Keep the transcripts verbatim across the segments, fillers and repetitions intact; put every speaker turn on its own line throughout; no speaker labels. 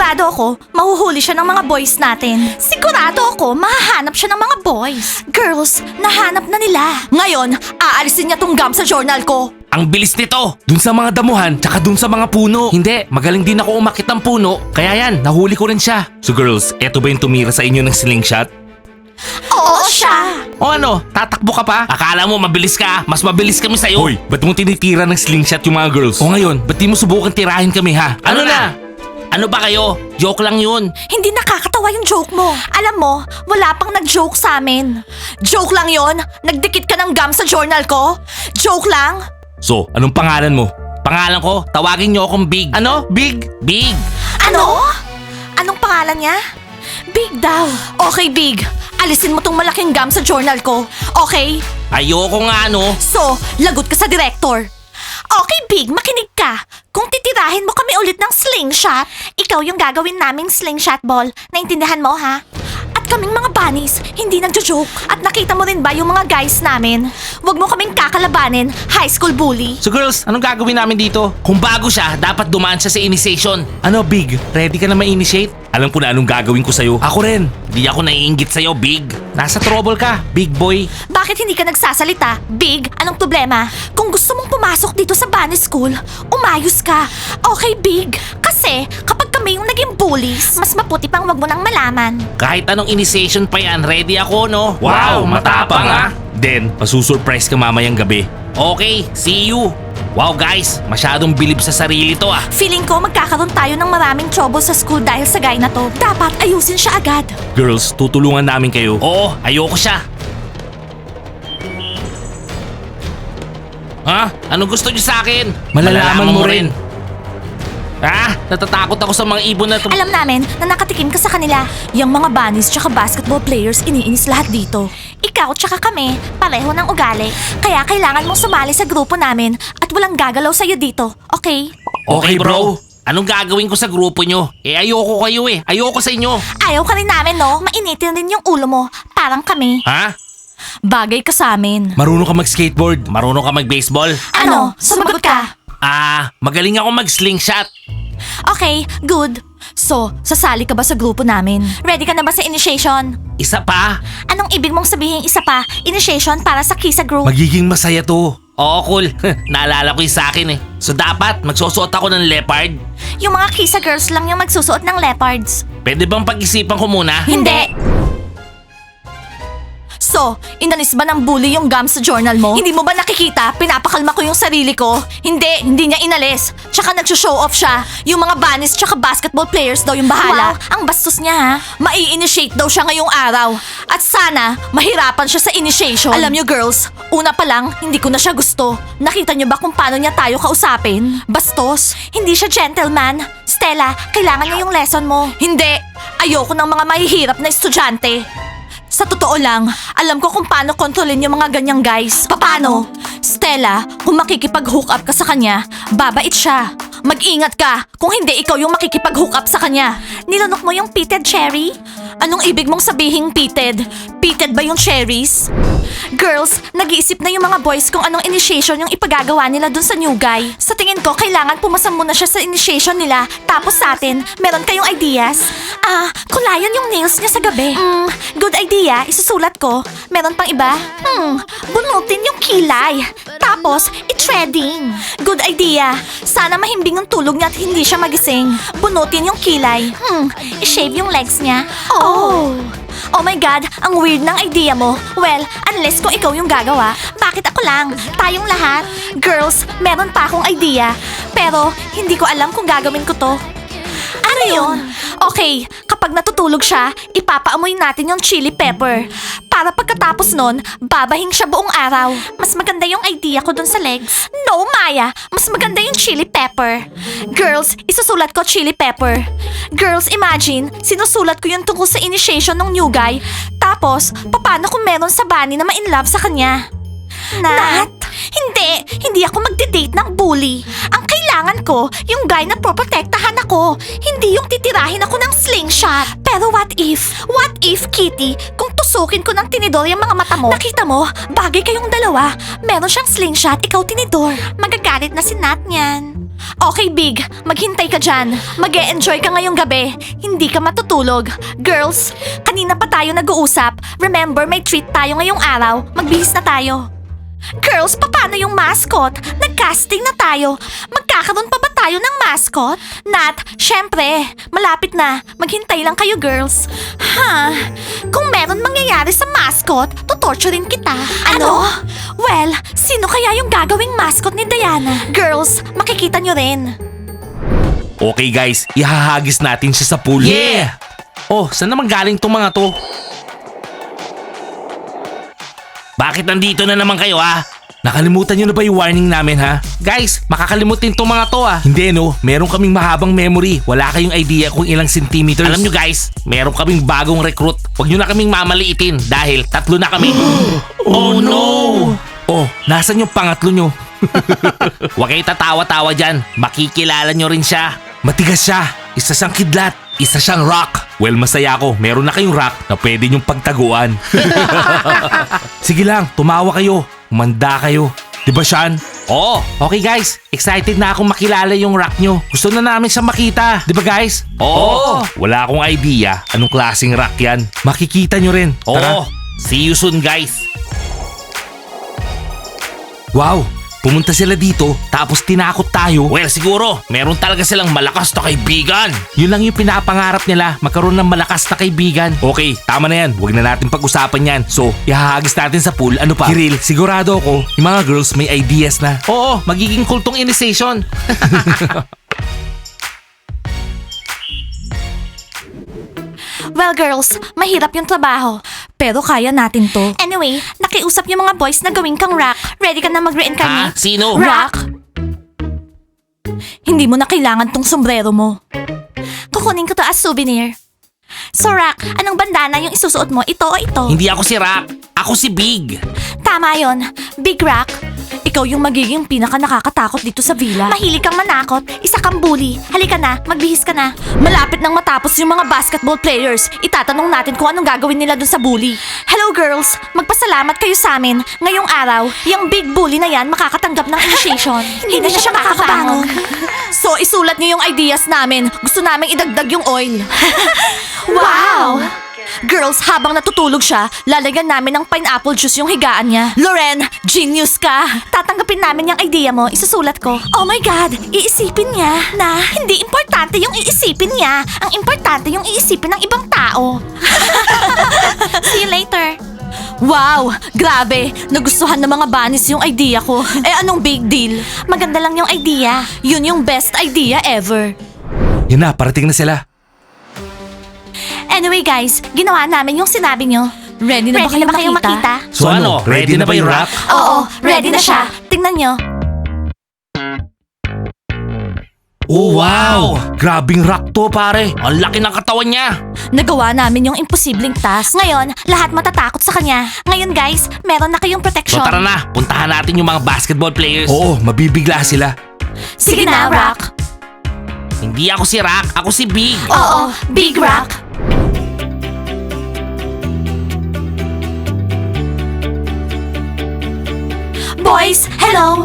Sigurado ako, mahuhuli siya ng mga boys natin. Sigurado ako, mahahanap siya ng mga boys. Girls, nahanap na nila. Ngayon, aalisin niya tong gum sa journal ko.
Ang bilis nito! Dun sa mga damuhan, tsaka dun sa mga puno. Hindi, magaling din ako umakit ng puno. Kaya yan, nahuli ko rin siya. So girls, eto ba yung tumira sa inyo ng slingshot?
Oo, siya.
O ano, tatakbo ka pa? Akala mo mabilis ka? Mas mabilis kami sa'yo. Hoy, ba't mo tinitira ng slingshot yung mga girls? O ngayon, ba't di mo subukan tirahin kami ha? Ano, na? Ano ba kayo? Joke lang yun.
Hindi nakakatawa yung joke mo. Alam mo, wala pang nag-joke sa amin. Joke lang yon? Nagdikit ka ng gum sa journal ko? Joke lang?
So, anong pangalan mo? Pangalan ko, tawagin niyo akong Big. Ano? Big? Big.
Ano? Anong pangalan niya? Big daw. Okay, Big. Alisin mo tong malaking gum sa journal ko. Okay?
Ayoko nga no.
So, lagot ka sa director. Okay, Big, makinig ka. Kung titirahin mo kami ulit ng slingshot, ikaw yung gagawin naming slingshot ball. Naintindihan mo, ha? At kaming mga bunnies, hindi nagjo-joke. At nakita mo rin ba yung mga guys namin? Huwag mo kaming kakalabanin, high school bully.
So girls, anong gagawin namin dito? Kung bago siya, dapat dumaan siya sa initiation. Ano, Big? Ready ka na ma-initiate? Alam ko na anong gagawin ko sa'yo. Ako rin. Di ako naiinggit sa'yo, Big. Nasa trouble ka, Big Boy.
Bakit hindi ka nagsasalita? Big, anong problema? Kung gusto mong pumasok dito sa bunny school, umayos ka. Okay, Big. Kasi kapag kami yung naging bullies, mas maputi pang wag mo nang malaman.
Kahit anong initiation pa yan, ready ako, no? Wow, matapang ah! Then, masusurprise ka mamayang gabi. Okay, see you! Wow guys, masyadong bilib sa sarili to ah.
Feeling ko magkakaroon tayo ng maraming trouble sa school dahil sa guy na to. Dapat ayusin siya agad.
Girls, tutulungan namin kayo. Oo, ayoko siya. Ha? Anong gusto niyo sa akin? Malalaman, mo rin. Ah, natatakot ako sa mga ibon na to.
Alam namin na nakatikim ka sa kanila. Yung mga bunnies tsaka basketball players, iniinis lahat dito. Ikaw tsaka kami, pareho ng ugali. Kaya kailangan mong sumali sa grupo namin at walang gagalaw sa'yo dito, okay?
Okay bro, anong gagawin ko sa grupo nyo? Eh ayoko kayo eh, ayoko sa inyo.
Ayaw ka rin namin, no? Mainitin rin yung ulo mo, parang kami.
Ha?
Bagay ka sa amin.
Marunong ka mag-skateboard? Marunong ka mag-baseball?
Ano? Sumagot ka?
Ah, magaling ako mag-slingshot.
Okay, good. So, sasali ka ba sa grupo namin? Ready ka na ba sa initiation?
Isa pa?
Anong ibig mong sabihin isa pa? Initiation para sa Kisa Group?
Magiging masaya to. Oo, cool. Naalala ko yung sa akin eh. So dapat, magsusuot ako ng leopard?
Yung mga Kisa girls lang yung magsusuot ng leopards.
Pwede bang pag-isipan ko muna?
Hindi! So, inalis ba ng bully yung gum sa journal mo? Hindi mo ba nakikita? Pinapakalma ko yung sarili ko. Hindi, hindi niya inalis. Tsaka nag-show off siya. Yung mga bunnies tsaka basketball players daw yung bahala. Wow, ang bastos niya ha. Mai-initiate daw siya ngayong araw. At sana, mahirapan siya sa initiation. Alam niyo girls, una pa lang, hindi ko na siya gusto. Nakita niyo ba kung paano niya tayo kausapin? Bastos. Hindi siya gentleman. Stella, kailangan niya yung lesson mo. Hindi. Ayoko ng mga mahihirap na estudyante. Sa totoo lang, alam ko kung paano kontrolin yung mga ganyang guys. Paano? Stella, kung makikipag-hook up ka sa kanya, babait siya. Mag-ingat ka kung hindi ikaw yung makikipag-hook up sa kanya. Nilunok mo yung pitted cherry? Anong ibig mong sabihing pitted? Pitted ba yung cherries? Girls, nag-iisip na yung mga boys kung anong initiation yung ipagagawa nila dun sa new guy. Sa tingin ko, kailangan pumasa muna siya sa initiation nila. Tapos sa atin, meron kayong ideas? Ah, kulayan yung nails niya sa gabi. Hmm, good idea. Isusulat ko. Meron pang iba? Hmm, bunutin yung kilay. Tapos, i-threading. Good idea. Sana mahimbing ang tulog niya at hindi siya magising. Bunutin yung kilay. Hmm, i-shave yung legs niya. Oh. Oh my God, ang weird ng idea mo. Well, unless kung ikaw yung gagawa, bakit ako lang? Tayong lahat? Girls, meron pa akong idea. Pero, hindi ko alam kung gagawin ko to. Ano yun? Okay, kapag natutulog siya, ipapaamoy natin yung chili pepper. Para pagkatapos nun, babahing siya buong araw. Mas maganda yung idea ko dun sa legs. No, Maya! Mas maganda yung chili pepper. Girls, isusulat ko chili pepper. Girls, imagine, sinusulat ko yung tungkol sa initiation ng new guy. Tapos, paano kung meron sa bunny na ma-inlove sa kanya? Nat? Hindi, hindi ako magde-date ng bully. Ang kailangan ko, yung guy na proprotektahan ako. Hindi yung titirahin ako ng slingshot. Pero what if? What if, Kitty, kung tusukin ko ng tinidor yung mga mata mo? Nakita mo, bagay kayong dalawa. Meron siyang slingshot, ikaw tinidor. Magagalit na si Nat niyan. Okay, Big. Maghintay ka dyan. mag enjoy ka ngayong gabi. Hindi ka matutulog. Girls, kanina pa tayo nag-uusap. Remember, may treat tayo ngayong araw. Magbihis na tayo. Girls, paano yung mascot? Nag-casting na tayo. Magkakaroon pa ba tayo ng mascot? Nat, syempre. Malapit na. Maghintay lang kayo, girls. Ha? Kung meron mangyayari sa mascot, tutorturin kita. Ano? Well, sino kaya yung gagawing mascot ni Diana? Girls, makikita nyo rin.
Okay guys, ihahagis natin siya sa pool.
Yeah!
Oh, saan naman galing tong mga to? Bakit nandito na naman kayo ha? Nakalimutan nyo na ba yung warning namin ha? Guys, makakalimutin tong mga to ha. Hindi no, meron kaming mahabang memory. Wala kayong idea kung ilang centimeters. Alam nyo guys, meron kaming bagong recruit. Huwag nyo na kaming mamaliitin dahil tatlo na kami. Oh no! Oh, nasan yung pangatlo nyo? Huwag kayo tatawa-tawa dyan. Makikilala nyo rin siya. Matigas siya. Isa siyang kidlat. Isa siyang rock. Well, masaya ako. Meron na kayong rock na pwede nyong pagtaguan. Sige lang, tumawa kayo. Umanda kayo. Diba, Sean? Oo. Okay guys, excited na akong makilala yung rock nyo. Gusto na namin siya makita. Diba guys? Oo. Wala akong idea anong klaseng rock yan. Makikita nyo rin. Tara. Oo. See you soon guys. Wow. Pumunta sila dito, tapos tinakot tayo. Well, siguro, meron talaga silang malakas na kaibigan. Yun lang yung pinapangarap nila, magkaroon ng malakas na kaibigan. Okay, tama na yan. Huwag na natin pag-usapan yan. So, ihahagis natin sa pool. Ano pa? Kiril, sigurado ako, yung mga girls may ideas na. Oo, magiging kultong initiation.
Well, girls, mahirap yung trabaho. Pero kaya natin to. Anyway, nakiusap yung mga boys na gawin kang rock. Ready ka na mag-reincarnate?
Ha? Sino?
Rock? Hindi mo na kailangan tong sombrero mo. Kukunin ko to as souvenir. So, Rock, anong bandana yung isusuot mo? Ito o ito?
Hindi ako si Rock. Ako si Big.
Tama yon, Big Rock. Ikaw yung magiging pinaka nakakatakot dito sa villa. Mahilig kang manakot, isa kang bully. Halika na, magbihis ka na. Malapit nang matapos yung mga basketball players. Itatanong natin kung anong gagawin nila dun sa bully. Hello girls, magpasalamat kayo sa amin. Ngayong araw, yung big bully na yan makakatanggap ng initiation. Hindi na siya makakabangon. So isulat niyo yung ideas namin. Gusto namin idagdag yung oil. Wow! Girls, habang natutulog siya, lalagyan namin ng pineapple juice yung higaan niya. Loren, genius ka! Tatanggapin namin yung idea mo, isusulat ko. Oh my God, iisipin niya na hindi importante yung iisipin niya. Ang importante yung iisipin ng ibang tao. See you later. Wow! Grabe! Nagustuhan ng mga bunnies yung idea ko. Eh anong big deal? Maganda lang yung idea. Yun yung best idea ever.
Yan na, parating na sila.
Anyway guys, ginawa namin yung sinabi nyo. Ready na ba kayo makita? makita?
So, ano, ready, na ba yung Rock?
Oo, ready na siya. Tingnan nyo.
Oh, wow! Grabing rock to, pare. Ang laki ng katawan niya.
Nagawa namin yung imposibleng task. Ngayon, lahat matatakot sa kanya. Ngayon guys, meron na kayong
So
protection.
tara na, puntahan natin yung mga basketball players. Oo, mabibigla sila.
Sige na, Rock.
Hindi ako si Rock, ako si Big.
Oo, Big Rock. Boys, hello!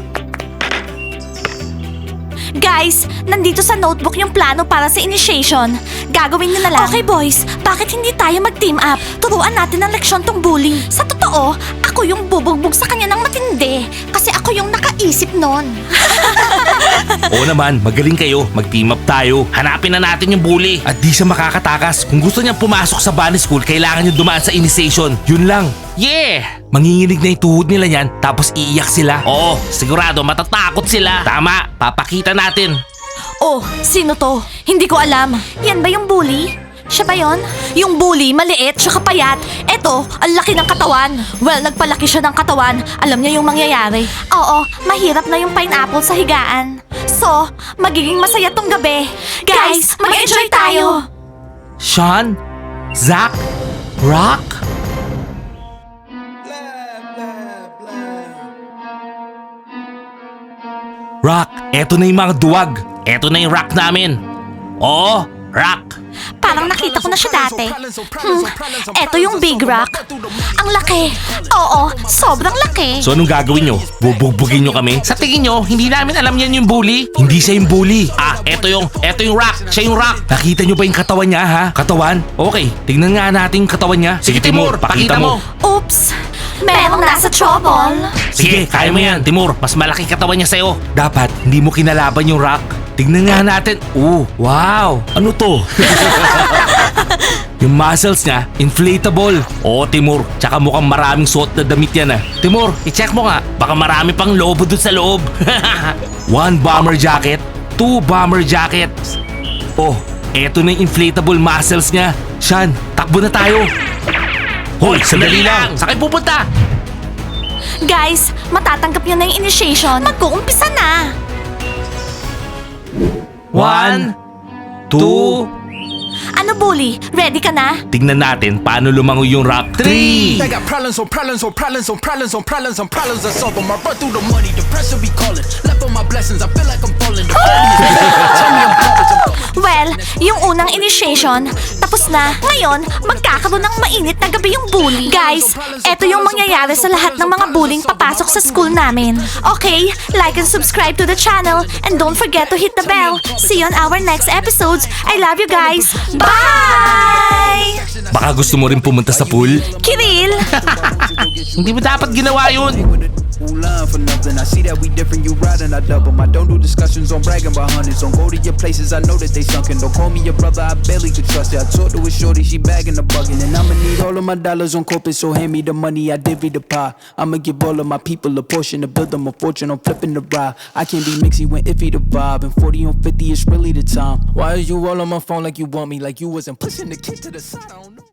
Guys, nandito sa notebook yung plano para sa initiation. Gagawin nyo na lang. Okay boys, bakit hindi tayo mag-team up? Turuan natin ng leksyon tong bully. Sa totoo, ako yung bubugbog sa kanya ng matindi. Kasi ako yung nakaisip nun.
Oo naman, magaling kayo. Mag-team up tayo. Hanapin na natin yung bully. At di siya makakatakas. Kung gusto niyang pumasok sa bunny school, kailangan niyo dumaan sa initiation. Yun lang. Yeah! Manginginig na yung tuhod nila yan, tapos iiyak sila. Oo, sigurado matatakot sila. Tama, papakita natin.
Oh, sino to? Hindi ko alam. Yan ba yung bully? Siya ba yon? Yung bully, maliit, tsaka payat. Eto, ang laki ng katawan. Well, nagpalaki siya ng katawan. Alam niya yung mangyayari. Oo, mahirap na yung pineapple sa higaan. So, magiging masaya tong gabi. Guys, mag-enjoy tayo!
Sean? Zach? Rock? Rock, eto na yung mga duwag. Eto na yung rock namin. Oo, rock.
Parang nakita ko na siya dati. Hmm, eto yung Big Rock. Ang laki. Oo, sobrang laki.
So anong gagawin nyo? Bubugbugin nyo kami? Sa tingin nyo, hindi namin alam yan yung bully? Hindi siya yung bully. Ah, eto yung, eto yung rock. Siya yung rock. Nakita nyo ba yung katawan niya, ha? Katawan? Okay, tignan nga natin yung katawan niya. Sige, Timur, pakita mo.
Oops, merong nasa trouble.
Sige, kaya mo yan, Timur. Mas malaki katawan niya sa'yo. Dapat, hindi mo kinalaban yung rock. Tignan nga natin. Oh, wow. Ano to? Yung muscles niya, inflatable. Oo, Timur. Tsaka mukhang maraming suot na damit yan ah. Timur, i-check mo nga. Baka marami pang lobo dun sa loob. One bomber jacket, two bomber jackets. Oh, eto na yung inflatable muscles niya. Shan, takbo na tayo. Hoy, sandali lang. Saan kayo pupunta?
Guys, matatanggap niyo na yung initiation. Mag-uumpisa na.
One, two,
Ano, Bully? Ready ka na?
tignan natin paano lumangoy yung rock. Three!
They got problems on problems on problems on problems on problems on problems I solve them. I run through the money, the pressure be calling. Left on my blessings, I feel like I'm falling. The early is tell me I'm garbage, I'm garbage.
Well, yung unang initiation, tapos na. Ngayon, magkakaroon ng mainit na gabi yung bully. Guys, eto yung mangyayari sa lahat ng mga bullying papasok sa school namin. Okay, like and subscribe to the channel and don't forget to hit the bell. See you on our next episodes. I love you guys. Bye!
Baka gusto mo rin pumunta sa pool?
Kiril!
Hindi mo dapat ginawa yun.
Who line for nothing? I see that we different, you riding, I double. I don't do discussions on bragging about hundreds. Don't go to your places, I know that they sunken. Don't call me your brother, I barely could trust it. I talked to a shorty, she bagging the bugging. And I'ma need all of my dollars on corporate, so hand me the money, I divvy the pie. I'ma give all of my people a portion to build them a fortune, I'm flipping the ride. I can't be mixy when iffy the vibe. And forty on fifty is really the time. Why is you all on my phone like you want me? Like you wasn't pushing the kid to the side, I don't know.